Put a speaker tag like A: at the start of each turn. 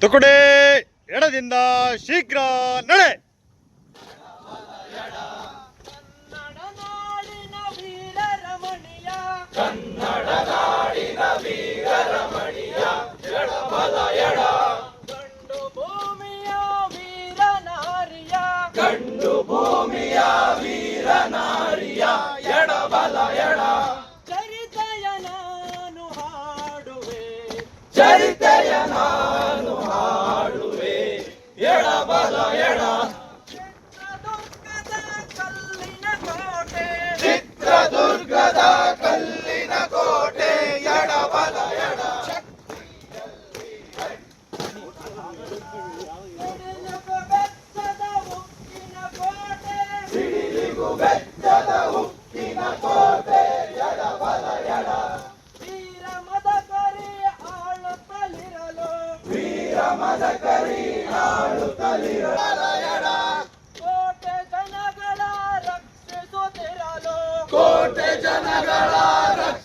A: ತುಕುಡೆ ಎಡದಿಂದ ಶೀಘ್ರ ನಡೆ.
B: ಕನ್ನಡ ನಾಡಿನ ವೀರ ರಮಣೀಯ ಎಡಬಲ ಎಡ ಗಂಡು ಭೂಮಿಯ ವೀರ ನಾರಿಯ ಗಂಡು ಭೂಮಿಯ ವೀರ ನಾರಿಯ ಎಡಬಲ ಎಡ ಚರಿತೆಯ ನಾನು ಹಾಡುವೆ ಚರಿತೆಯ ನಾನು ಹಾಡುವೆ ಎಡಬಲ ಎಡ ಚಿತ್ರದುರ್ಗದ ಕಲ್ಲಿನ ಕೋಟೆ ಎಡಬಲ ಎಡ ಸಿಡಿಲಿಗೂ ಬೆಚ್ಚದ ಉಕ್ಕಿನ ಕೋಟೆ ಎಡಬಲ ಎಡ ವೀರ ಮದಕರಿ ಆಳುತ್ತಲಿರಲು ವೀರ ಮದಕರಿ ಆಳುತ್ತಲಿರಲು ಎಡ ಕೋಟೆ ಜನಗಳ ರಕ್ಷಿಸುತ್ತಿರಲು ಕೋಟೆ ಜನಗಳ